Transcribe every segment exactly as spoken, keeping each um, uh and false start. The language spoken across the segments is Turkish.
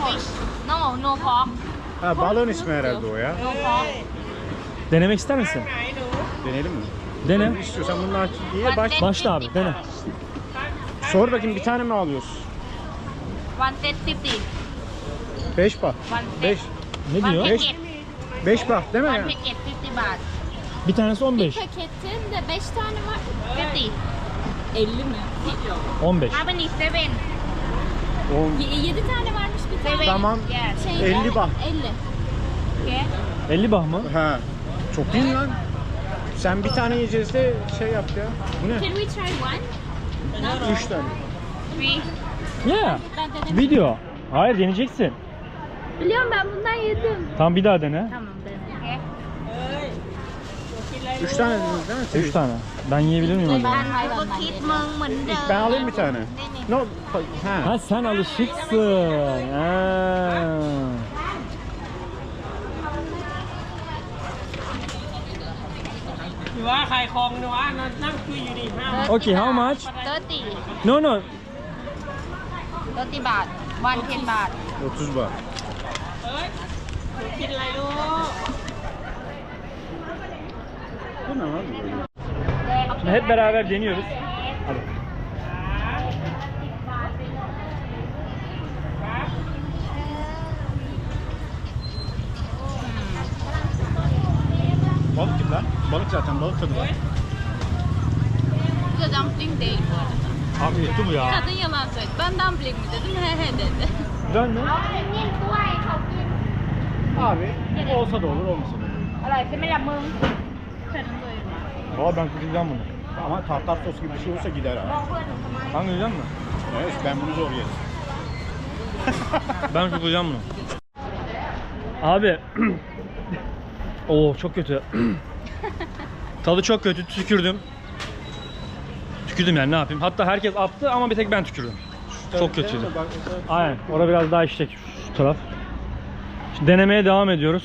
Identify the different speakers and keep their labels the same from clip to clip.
Speaker 1: fish. No, no pork.
Speaker 2: Ha, balığın ismi herhalde o ya.
Speaker 1: No pork.
Speaker 3: Denemek ister misin?
Speaker 2: Deneyelim mi?
Speaker 3: Dene.
Speaker 2: İstiyorsan bunlar iyi baş.
Speaker 3: Başla abi dene.
Speaker 2: Sor bakayım, bir tane mi alıyorsun?
Speaker 1: One set fifty.
Speaker 2: Beş bak.
Speaker 1: One set.
Speaker 2: Beş.
Speaker 3: Ne
Speaker 1: One
Speaker 3: diyor?
Speaker 2: Beş.
Speaker 1: packet.
Speaker 2: Beş bak değil mi
Speaker 1: One
Speaker 2: ya?
Speaker 1: packet fifty baht.
Speaker 3: Bir tanesi on beş.
Speaker 4: Paketin de beş tane var.
Speaker 1: fifty.
Speaker 4: elli mi?
Speaker 3: on beş.
Speaker 1: How many? Seven.
Speaker 2: On.
Speaker 4: yedi tane varmış bir tane.
Speaker 1: Seven.
Speaker 2: Tamam.
Speaker 1: Yes.
Speaker 4: Şeyde,
Speaker 2: elli bak.
Speaker 4: elli.
Speaker 1: Okay.
Speaker 3: elli bah mı?
Speaker 2: Ha. Çok iyi lan. Sen bir tane yiyeceğiz de şey yap ya. Bu ne?
Speaker 4: Can we try one?
Speaker 2: Üç tane.
Speaker 1: Three.
Speaker 3: Yeah.
Speaker 4: Ben denedim.
Speaker 3: Video. Hayır deneyeceksin.
Speaker 4: Biliyorum ben bundan yedim.
Speaker 3: Tamam bir daha dene.
Speaker 4: Tamam denedim.
Speaker 1: Okay.
Speaker 2: Üç tane dediniz değil mi?
Speaker 3: Üç tane. Ben yiyebilir miyim acaba?
Speaker 4: Ben hayvandan yedim.
Speaker 2: Ben alayım bir tane. No. Ha.
Speaker 3: Ha sen alışıksın. Ha. Okay, how much?
Speaker 1: Thirty.
Speaker 3: No no.
Speaker 1: Thirty baht. One ten baht.
Speaker 2: otuz bak. Bu ne abi böyle?
Speaker 3: Şimdi hep beraber deniyoruz. Hadi.
Speaker 2: Balık gibi lan. Balık zaten, balık tadı var.
Speaker 4: Bu da dumpling değil bu arada.
Speaker 3: Abi kötü bu ya.
Speaker 4: Kadın yalan söyledi. Ben dumpling mi dedim? He he dedi.
Speaker 3: Güzel mi?
Speaker 2: Abi olsa da olur, olmasa da olur.
Speaker 1: อร่อยใช่ไหมล่ะมึง
Speaker 4: Karın doyurma.
Speaker 3: Aa ben kurtulacağım bunu.
Speaker 2: Ama tartar sos gibi bir şey olsa gider abi.
Speaker 3: Sen yiyecek misin?
Speaker 2: Evet, ben bunu zor yerim.
Speaker 3: Ben kurtulacağım bunu. Abi. Oo çok kötü. Tadı çok kötü. Tükürdüm. Tükürdüm yani, ne yapayım. Hatta herkes attı ama bir tek ben tükürdüm. Çok kötüydü. Aynen. Orada biraz daha işlek şu taraf. Şimdi denemeye devam ediyoruz.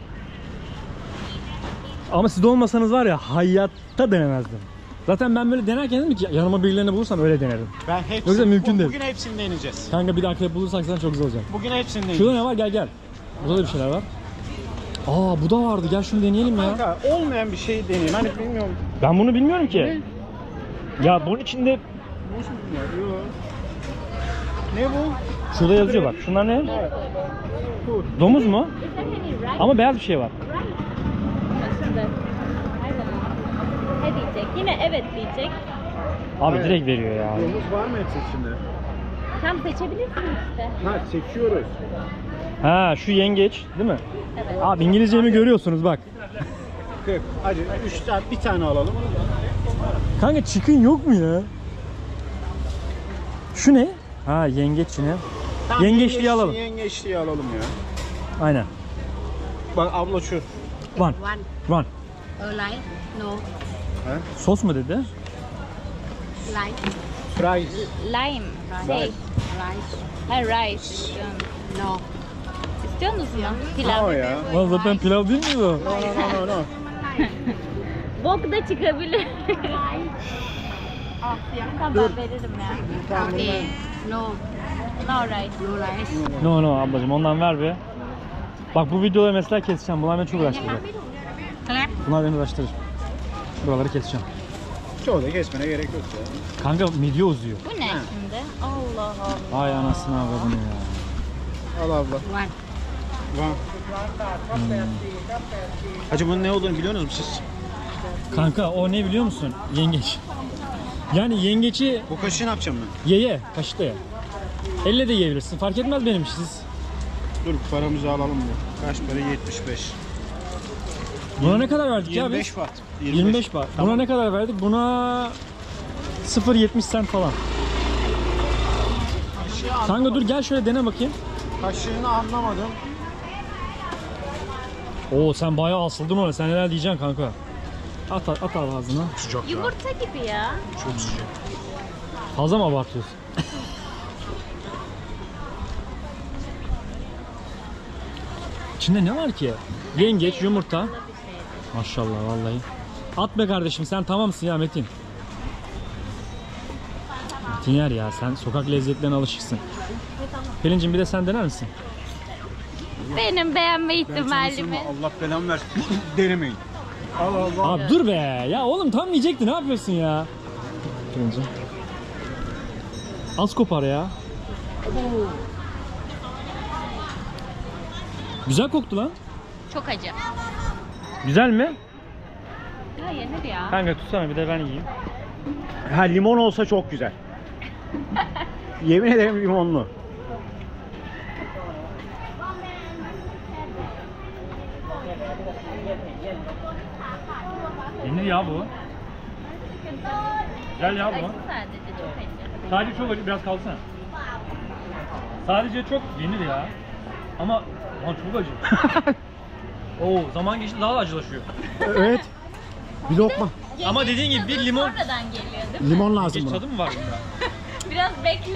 Speaker 3: Ama siz de olmasanız var ya, hayatta denemezdim. Zaten ben böyle denerken dedim ki yanıma birilerini bulursam öyle denerim.
Speaker 2: Ben hepsini,
Speaker 3: Yoksa mümkün
Speaker 2: bu-
Speaker 3: değil.
Speaker 2: Bugün hepsini deneyeceğiz.
Speaker 3: Kanka bir dakika bulursak sen çok güzel olacak.
Speaker 2: Bugün hepsini
Speaker 3: Şurada
Speaker 2: deneyeceğiz.
Speaker 3: ne var? Gel gel. Burada da bir şeyler var. Aa bu da vardı. Gel şunu deneyelim ya.
Speaker 2: Kanka olmayan bir şey deneyeyim. Hani bilmiyorum.
Speaker 3: Ben bunu bilmiyorum ki. Ya bunun içinde
Speaker 2: Nasıl bunlar? Yok. Ne bu?
Speaker 3: şurada yazıyor bak. Şunlar ne?
Speaker 2: Bu.
Speaker 3: Domuz mu? Ama beyaz bir şey var.
Speaker 4: Aslında. Ne diyecek? Yine evet diyecek.
Speaker 3: Abi
Speaker 2: Evet.
Speaker 3: direkt veriyor ya.
Speaker 2: Domuz var mı hepsi içinde?
Speaker 4: Tam seçebilirsin işte.
Speaker 2: Ha, seçiyoruz.
Speaker 3: Ha şu yengeç değil mi?
Speaker 4: Evet.
Speaker 3: Abi İngilizcemi görüyorsunuz bak.
Speaker 2: kırk. Hadi üç tane, bir tane alalım.
Speaker 3: Kanka chicken yok mu ya? Şu ne? Ha yengeç yine.
Speaker 2: Tamam,
Speaker 3: Yengeçliği
Speaker 2: yengeç-
Speaker 3: alalım.
Speaker 2: Yengeçliği alalım ya.
Speaker 3: Aynen.
Speaker 2: Bak abla şu.
Speaker 3: One.
Speaker 1: one
Speaker 3: One.
Speaker 1: uh, like no
Speaker 2: Ha?
Speaker 3: Sos mu dedi?
Speaker 1: like
Speaker 2: Fries.
Speaker 4: Lime.
Speaker 2: Rice.
Speaker 4: Şey.
Speaker 1: rice
Speaker 4: Ha rice istiyorum.
Speaker 1: no
Speaker 4: İstiyor musun?
Speaker 2: O
Speaker 4: Pilav.
Speaker 2: ya.
Speaker 3: Lan zaten pilav değil mi o?
Speaker 2: No no no no no.
Speaker 4: Bok da çıkabilir. Tamam ben veririm ya.
Speaker 2: Tamam,
Speaker 1: okay no
Speaker 4: No rice.
Speaker 1: no rice
Speaker 3: No no ablacığım ondan ver bir. Bak bu videoları mesela keseceğim. Bunlar beni çok uğraştıracak.
Speaker 1: clap
Speaker 3: Bunlar beni uğraştırır. Buraları keseceğim.
Speaker 2: Çoğu da kesmene gerek yok ya.
Speaker 3: Kanka midye uzuyor.
Speaker 4: Bu ne şimdi? Allah Allah.
Speaker 3: Ay anasını avradını ya.
Speaker 2: Al abla.
Speaker 1: one
Speaker 2: Var. Hacı bunun ne olduğunu biliyor musunuz siz?
Speaker 3: Kanka o ne biliyor musun? Yengeç. Yani yengeçi
Speaker 2: Bu kaşığı ne yapacağım ben?
Speaker 3: ye ye. Kaşıkla ye. Elle de yiyebilirsin. Fark etmez benim için siz.
Speaker 2: Dur paramızı alalım bu. Kaç para? yetmiş beş.
Speaker 3: Buna ne kadar verdik ya
Speaker 2: yirmi
Speaker 3: biz?
Speaker 2: beş watt.
Speaker 3: yirmi beş baht. Buna ne kadar verdik? Buna sıfır virgül yetmiş sent falan.
Speaker 2: Kaşığı an-
Speaker 3: Kanka dur gel şöyle dene bakayım.
Speaker 2: Kaşığını anlamadım.
Speaker 3: Oo sen bayağı asıldın ona. Sen neler diyeceksin kanka? At at, at al ağzına.
Speaker 2: Sıcak ya.
Speaker 4: Yumurta gibi ya.
Speaker 2: Çok sıcak.
Speaker 3: Fazla mı abartıyorsun? İçinde ne var ki? Yengeç, yumurta. Maşallah vallahi. At be kardeşim sen tamamsın ya Metin. Metin yer ya sen sokak lezzetlerine alışıksın. Pelincim bir de sen dener misin?
Speaker 4: Benim beğenme ihtimalimi.
Speaker 2: Allah belamı versin. Denemeyin. Allah Allah.
Speaker 3: Abi dur be. Ya oğlum tam yiyecekti. Ne yapıyorsun ya? Pelincim. Az kopar ya. Güzel koktu lan.
Speaker 4: Çok acı.
Speaker 3: Güzel mi?
Speaker 4: Ya yenir ya.
Speaker 3: Kanka tutsana bir de ben yiyeyim.
Speaker 2: Ha limon olsa çok güzel. Yemin ederim limonlu.
Speaker 3: Yenir ya bu. Güzel ya bu.
Speaker 4: Acı sadece çok acı.
Speaker 3: Sadece çok acı. Biraz kalsana. Sadece çok yenir ya. Ama lan çok acı. Oo, zaman geçti daha da acılaşıyor.
Speaker 2: Evet. Bir lokma.
Speaker 3: Ama dediğin gibi bir limon...
Speaker 4: Sonradan geliyor değil mi?
Speaker 2: Limon lazım
Speaker 3: Geç
Speaker 2: buna.
Speaker 3: tadı mı var bunda?
Speaker 4: Biraz bekle.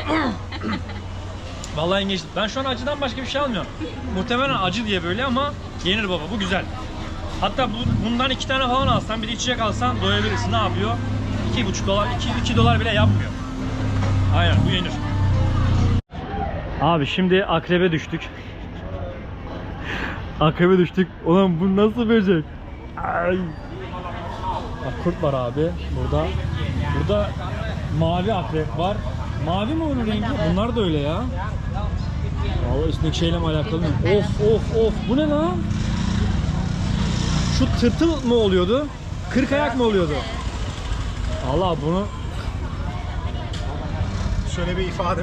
Speaker 3: Vallahi yengeç. Ben şu an acıdan başka bir şey almıyorum. Muhtemelen acı diye böyle ama yenir baba. Bu güzel. Hatta bu, bundan iki tane falan alsan, bir de içecek alsan doyabilirsin. Ne yapıyor? İki buçuk dolar, iki, iki dolar bile yapmıyor. Aynen, bu yenir. Abi şimdi akrebe düştük. Akrebe düştük. Ulan bu nasıl böcek? Ay. Bak kurt var abi burada. Burada mavi akrep var. Mavi mi onun rengi? Bunlar da öyle ya. Vallahi üstündeki şeyle mi alakalı mı? Of of of. Bu ne lan? Şu tırtıl mı oluyordu? Kırk ayak mı oluyordu? Allah bunu
Speaker 2: Şöyle bir ifade.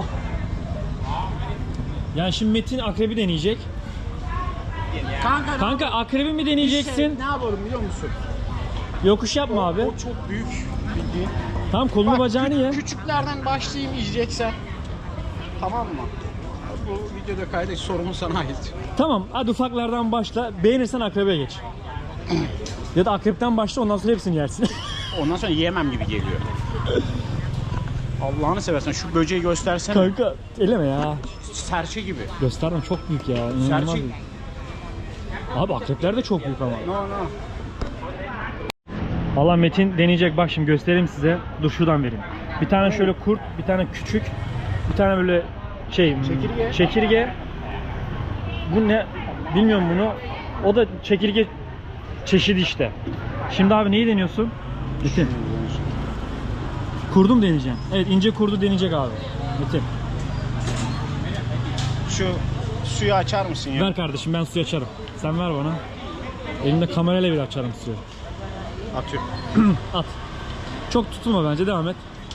Speaker 3: yani şimdi Metin akrebi deneyecek.
Speaker 2: Kanka,
Speaker 3: Kanka akrebi mi deneyeceksin?
Speaker 2: Şey, ne yapalım biliyor musun?
Speaker 3: Yokuş yapma abi.
Speaker 2: O çok büyük bildiğin.
Speaker 3: Tamam kolunu
Speaker 2: Bak,
Speaker 3: bacağını
Speaker 2: kü-
Speaker 3: ye.
Speaker 2: Küçüklerden başlayayım yiyeceksen. Tamam mı? Bu videoda kaydet sorumuz sana ait.
Speaker 3: Tamam hadi ufaklardan başla. Beğenirsen akrebe geç. Ya da akrepten başla ondan sonra hepsini yersin.
Speaker 2: Ondan sonra yiyemem gibi geliyor. Allah'ını seversen şu böceği göstersene.
Speaker 3: Kanka eleme ya.
Speaker 2: Serçe gibi.
Speaker 3: Gösterdim çok büyük ya. İnanılmaz
Speaker 2: Serçe.
Speaker 3: büyük. Abi akrepler de çok büyük ama.
Speaker 2: No no.
Speaker 3: Valla Metin deneyecek, bak şimdi göstereyim size. Dur şuradan vereyim. Bir tane şöyle kurt, bir tane küçük, bir tane böyle şey
Speaker 2: Çekirge.
Speaker 3: çekirge. Bu ne? Bilmiyorum bunu. O da çekirge çeşidi işte. Şimdi abi neyi deniyorsun? Metin. Kurdu mu deneyeceksin? Evet, ince kurdu deneyecek abi. Metin.
Speaker 2: Şu suyu açar mısın ya?
Speaker 3: Ver kardeşim, ben suyu açarım. Sen ver bana. Elimde kamerayla bile açarım suyu.
Speaker 2: Atıyorum.
Speaker 3: At. Çok tutulma bence, devam et.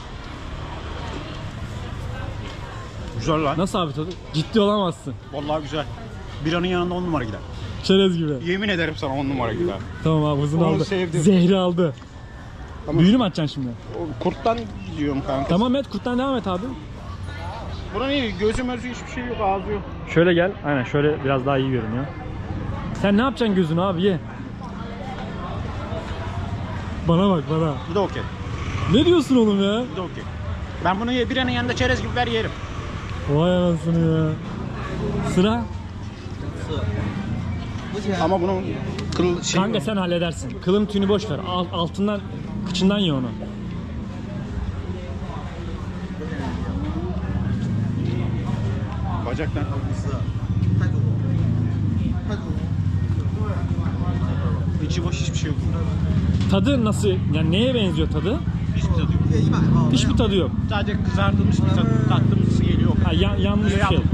Speaker 2: Güzel lan.
Speaker 3: Nasıl abi tadı? Ciddi olamazsın.
Speaker 2: Vallahi güzel. Biranın yanında on numara gider.
Speaker 3: Çerez gibi.
Speaker 2: Yemin ederim sana on numara gider.
Speaker 3: Tamam abi, hızını
Speaker 2: Onu
Speaker 3: aldı.
Speaker 2: sevdim.
Speaker 3: Zehri aldı.
Speaker 2: Ama
Speaker 3: Büyüğünü mü açacaksın şimdi?
Speaker 2: o kurttan gidiyorum kanka.
Speaker 3: Tamam et, kurttan devam et abi.
Speaker 2: Buranın iyi. Gözü mözü hiçbir şey yok. Ağzı yok.
Speaker 3: Şöyle gel. Aynen şöyle biraz daha iyi görünüyor. Sen ne yapacaksın gözünü abi, ye. Bana bak bana.
Speaker 2: Bu da okey.
Speaker 3: Ne diyorsun oğlum ya?
Speaker 2: Bu da okey. Ben bunu ye- biranın yanında çerez gibi ver yerim.
Speaker 3: Vay anasını ya. Sıra.
Speaker 2: Ama bunun kıl şey
Speaker 3: Kanka sen halledersin. Kılın tüyünü boş ver. Al- altından, kıçından ye onu.
Speaker 2: bacaktan. İçi boş hiçbir şey yok.
Speaker 3: Tadı nasıl? Yani neye benziyor tadı?
Speaker 2: Hiçbir tadı yok.
Speaker 3: Hiçbir tadı yok.
Speaker 2: Sadece kızartılmış bir tat, tatlımsı geliyor.
Speaker 3: Ha, ya- yanlış bir
Speaker 2: Ya-
Speaker 3: şey.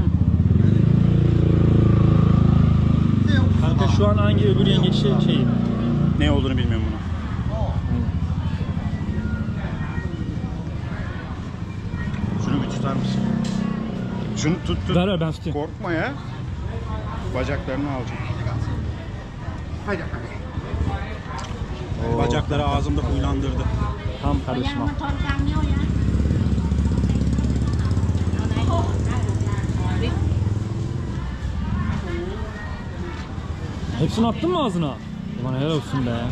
Speaker 3: Kanka şu an hangi öbür yengeç şey, şeyi?
Speaker 2: Ne olduğunu bilmiyorum bunu. Şunu bir tutar mısın? Şunu tut tut.
Speaker 3: Ver ver ben tutayım.
Speaker 2: Korkma ya. Bacaklarını alacak. Hadi Bacakları ağzımda huylandırdı.
Speaker 3: Tamam kardeşim al. Hepsini attın mı ağzına? Ulan helal olsun be.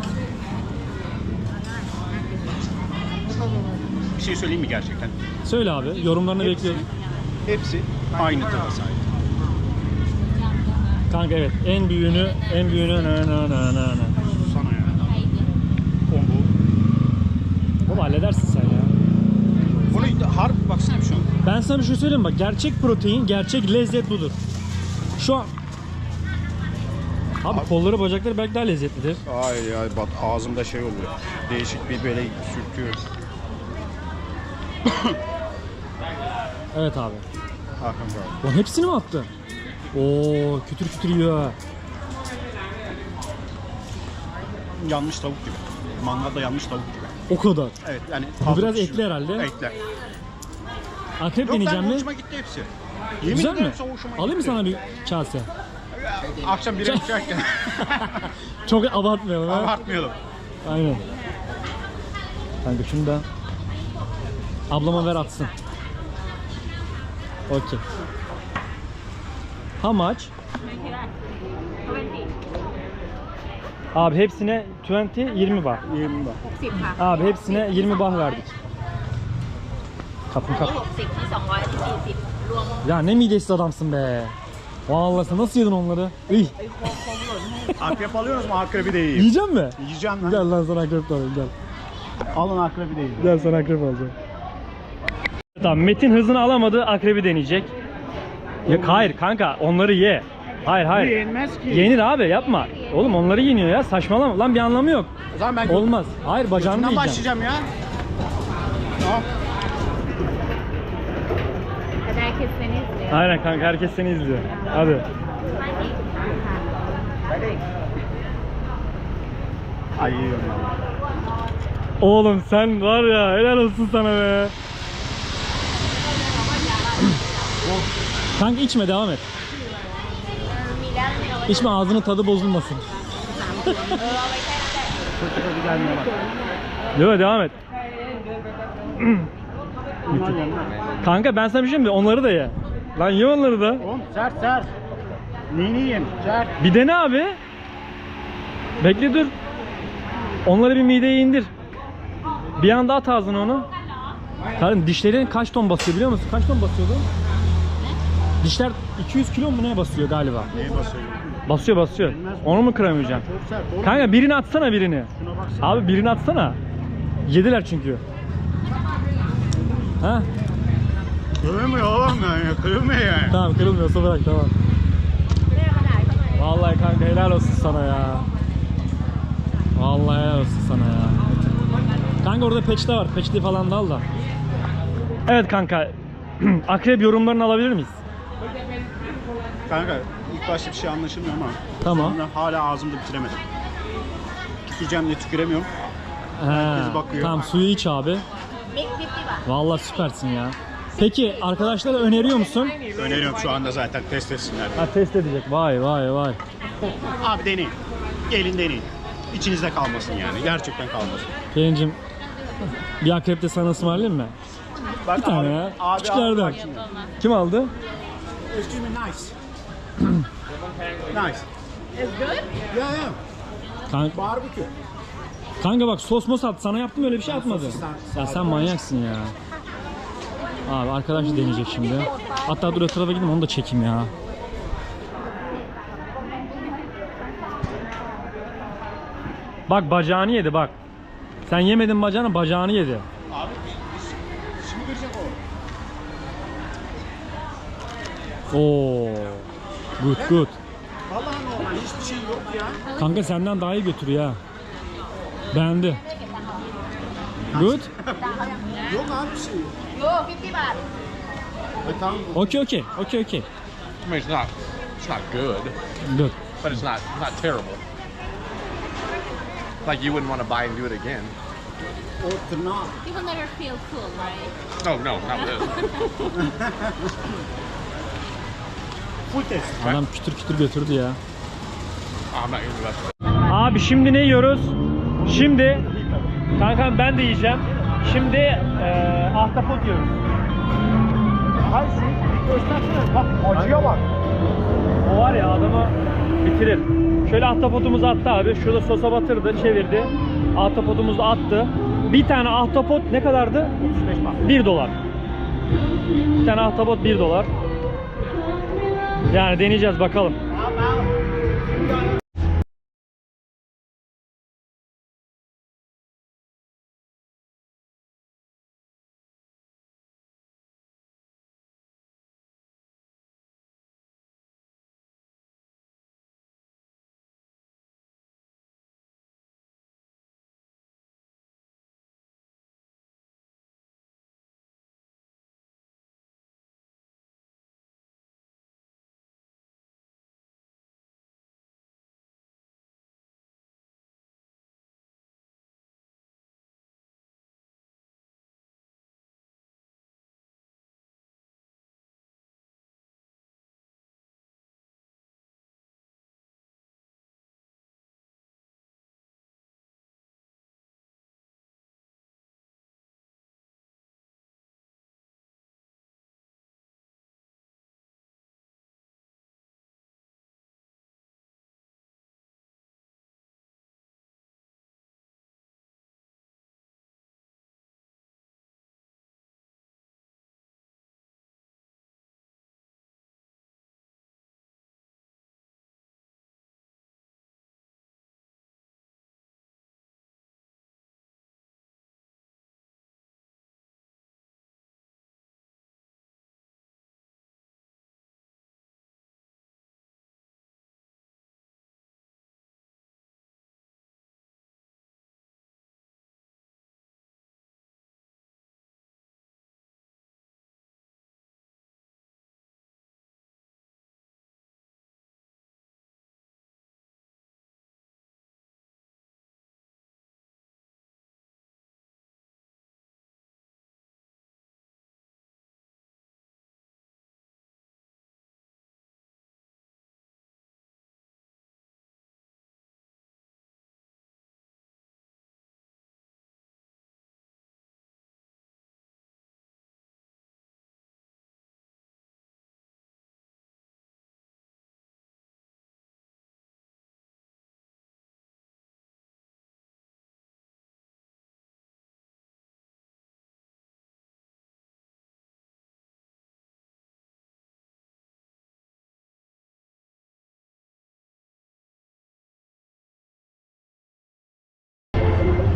Speaker 2: Bir şey söyleyeyim mi gerçekten?
Speaker 3: Söyle abi, yorumlarını
Speaker 2: Hepsi-
Speaker 3: bekliyorum.
Speaker 2: Hepsi aynı tada sahip.
Speaker 3: Kanka evet, en büyüğünü, en büyüğünü na na na na na.
Speaker 2: Sana ya. Combo.
Speaker 3: Oğlum halledersin sen ya.
Speaker 2: Bunu harp baksana bir şu an.
Speaker 3: Ben sana bir şey söyleyeyim bak. Gerçek protein, gerçek lezzet budur. Şu an... Abi, kolları, bacakları belki daha lezzetlidir.
Speaker 2: Ay ay bak ağzımda şey oluyor. Değişik bir böyle sürtüyor.
Speaker 3: Evet abi.
Speaker 2: Hakan abi.
Speaker 3: Lan hepsini mi attı? Oo, kütür kütür yiyor ha.
Speaker 2: Yanmış tavuk gibi. Mangalda yanmış tavuk gibi.
Speaker 3: O kadar.
Speaker 2: Evet yani.
Speaker 3: Bu
Speaker 2: fazla
Speaker 3: biraz
Speaker 2: pişiyor.
Speaker 3: etli herhalde.
Speaker 2: Etli.
Speaker 3: Akrep
Speaker 2: Yok
Speaker 3: deneyeceğim
Speaker 2: ben
Speaker 3: mi?
Speaker 2: hoşuma gitti hepsi. Yemin
Speaker 3: Güzel
Speaker 2: ederim
Speaker 3: mi?
Speaker 2: hepsi hoşuma
Speaker 3: Alayım mı
Speaker 2: gitti.
Speaker 3: sana bir kase?
Speaker 2: Akşam bira içerken.
Speaker 3: Çok abartmayalım ha.
Speaker 2: Abartmayalım.
Speaker 3: Aynen. Kanka şunu da ablama ver atsın. Okey. How much? Abi hepsine yirmi, yirmi bah.
Speaker 2: yirmi bak.
Speaker 1: สิบค่ะ
Speaker 3: Abi hepsine yirmi bah verdik. Kapın
Speaker 4: อัน
Speaker 3: kap.
Speaker 4: นี้หกสิบที่สองร้อยที่สี่สิบรวม
Speaker 3: Ya ne midesiz adamsın be. Vallahi sen nasıl yedin onları? İyi.
Speaker 2: Akrep alıyoruz mu? Akrebi de yiyeyim.
Speaker 3: Yiyecek mi?
Speaker 2: Yiyeceğim lan.
Speaker 3: Gel lan sana akrep de alayım gel.
Speaker 2: Alın akrebi de yiyeyim.
Speaker 3: Gel sana akrep alacağım. Tamam, Metin hızını alamadı, akrebi deneyecek. Ya hayır kanka, onları ye. Hayır hayır.
Speaker 2: Yenmez ki.
Speaker 3: Yenir abi, yapma. Oğlum onları yeniyor ya, saçmalama. Lan bir anlamı yok.
Speaker 2: O zaman ben
Speaker 3: Olmaz. Hayır, bacağını
Speaker 2: götünden
Speaker 3: yiyeceğim.
Speaker 2: başlayacağım ya. Tamam.
Speaker 4: แต่ได้คิดเซนิสเลย
Speaker 3: Aynen kanka, herkes seni izliyor. Hadi.
Speaker 2: Ay yiyorum.
Speaker 3: Oğlum sen var ya, helal olsun sana be. Kanka içme, devam et. İçme, ağzının tadı bozulmasın.
Speaker 2: Hadi gelmeye bak.
Speaker 3: Yok, devam et.
Speaker 2: Bunlar yenmez.
Speaker 3: Kanka ben sana bir şey mi? Onları da ye. Lan ye onları da.
Speaker 2: Oğlum sert sert. Neyini yiyeyim? Sert.
Speaker 3: Bir dene abi. Bekle dur. Onları bir mideye indir. Bir anda at ağzına onu. Kardeşim dişlerin kaç ton basıyor biliyor musun? Kaç ton basıyordu? Dişler iki yüz kilo mu ne basıyor galiba?
Speaker 2: Neye basıyor?
Speaker 3: Basıyor basıyor. Onu mu kıramayacaksın?
Speaker 2: Çok sert. Oğlum.
Speaker 3: Kanka birini atsana birini.
Speaker 2: Şuna baksana.
Speaker 3: Abi birini atsana. Yediler çünkü. Ha?
Speaker 2: Kırılmıyor oğlum ya. Kırılmıyor yani.
Speaker 3: Tamam, kırılmıyorsa bırak, tamam. Vallahi kanka helal olsun sana ya. Vallahi helal olsun sana ya. Kanka orada peçete var. Peçete falan da al da. Evet kanka. Akrep yorumlarını alabilir miyiz?
Speaker 2: Kanka ilk başta bir şey anlaşılmıyor ama
Speaker 3: Tamam.
Speaker 2: sonra hala ağzımda bitiremedim. Yiyeceğim diye tüküremiyorum.
Speaker 3: He,
Speaker 2: bakıyor.
Speaker 3: tamam, suyu iç abi.
Speaker 4: มิกฟิฟตี้บาท
Speaker 3: Vallahi süpersin ya. Peki arkadaşlara öneriyor musun?
Speaker 2: Öneriyorum şu anda zaten test etsinler.
Speaker 3: Ha, test edecek. Vay vay vay.
Speaker 2: Abi deneyin. Gelin deneyin. İçinizde kalmasın yani. Gerçekten kalmasın.
Speaker 3: Pelincim, bir akrep de sana ısmarlayayım mı?
Speaker 2: Bak
Speaker 3: Bir tane
Speaker 2: abi,
Speaker 3: ya.
Speaker 2: Abi, abi,
Speaker 3: Küçüklerden.
Speaker 2: bak şimdi.
Speaker 3: Kim aldı?
Speaker 2: Excuse me, nice. Nice.
Speaker 4: It's good?
Speaker 2: Yeah, yeah.
Speaker 3: Kanka,
Speaker 2: Barbecue.
Speaker 3: kanka bak, sos mos at. Sana yaptım, öyle bir şey atmadı. Ya sen manyaksın ya. Abi arkadaş da deneyecek şimdi. Hatta dur, o tarafa gideyim, onu da çekeyim ya. Bak bacağını yedi bak. Sen yemedin bacağını, bacağını yedi.
Speaker 2: Abi şimdi görecek o.
Speaker 3: Oo. Good good.
Speaker 2: Vallahi normal hiçbir şey yok ya.
Speaker 3: Kanka senden daha iyi götürüyor ha. Beğendi. Good.
Speaker 2: Yok abi bir şey yok.
Speaker 1: โยฟิฟตี้บาท
Speaker 2: E, tamam.
Speaker 3: Okey okey. Okey okey.
Speaker 5: I mean, it's not, it's not good,
Speaker 3: Good.
Speaker 5: but it's not, it's not terrible. Like you wouldn't want to buy and do it again.
Speaker 2: O tırnağı.
Speaker 4: You will never feel full, right?
Speaker 5: Oh no, not with this.
Speaker 2: Full test.
Speaker 3: Adam kütür kütür götürdü ya.
Speaker 5: Oh, I'm not gonna do that.
Speaker 3: Abi şimdi ne yiyoruz? Şimdi kankam ben de yiyeceğim. Şimdi eee ahtapot yiyoruz.
Speaker 2: Hangisi? Göstersene. Bak acıya bak.
Speaker 3: O var ya, adamı bitirir. Şöyle ahtapotumuzu attı abi. Şurada sosa batırdı, çevirdi. Ahtapotumuzu attı. Bir tane ahtapot ne kadardı?
Speaker 2: otuz beş bak.
Speaker 3: bir dolar. Bir tane ahtapot bir dolar. Yani deneyeceğiz bakalım.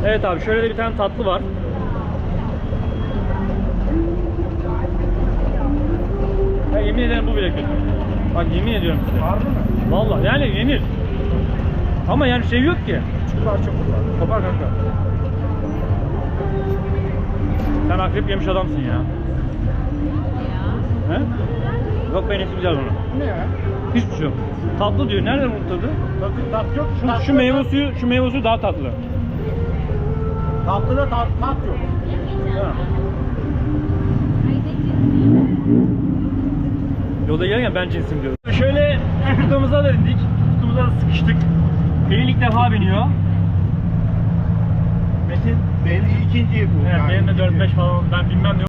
Speaker 3: Evet abi şöyle de bir tane tatlı var. Ya yemin ederim bu bile kötü. Bak yemin ediyorum size.
Speaker 2: Harbi mi?
Speaker 3: Vallahi yani yenir. Ama yani şey yok ki.
Speaker 2: Küçük parça bunlar.
Speaker 3: Kopar kanka. Sen akrep yemiş adamsın ya. He? Yok ben iyisi güzel bunu.
Speaker 2: Bu ne ya?
Speaker 3: Hiçbir şey yok. Tatlı diyor. Nereden bu tadı?
Speaker 2: Tadı, tat yok.
Speaker 3: Şu,
Speaker 2: tat
Speaker 3: şu
Speaker 2: yok.
Speaker 3: meyve suyu, şu meyve suyu daha tatlı.
Speaker 2: Tatlıda tat, tat yok.
Speaker 3: Ha. Yolda gelirken ben cinsim diyorum. Şöyle tutkuumuza da indik. Tutkumuza da sıkıştık. Pelin ilk defa biniyor.
Speaker 2: Metin belli ikinci bu.
Speaker 3: Evet
Speaker 2: yani
Speaker 3: benim de
Speaker 2: ikinci.
Speaker 3: dört beş falan ben bilmem ne.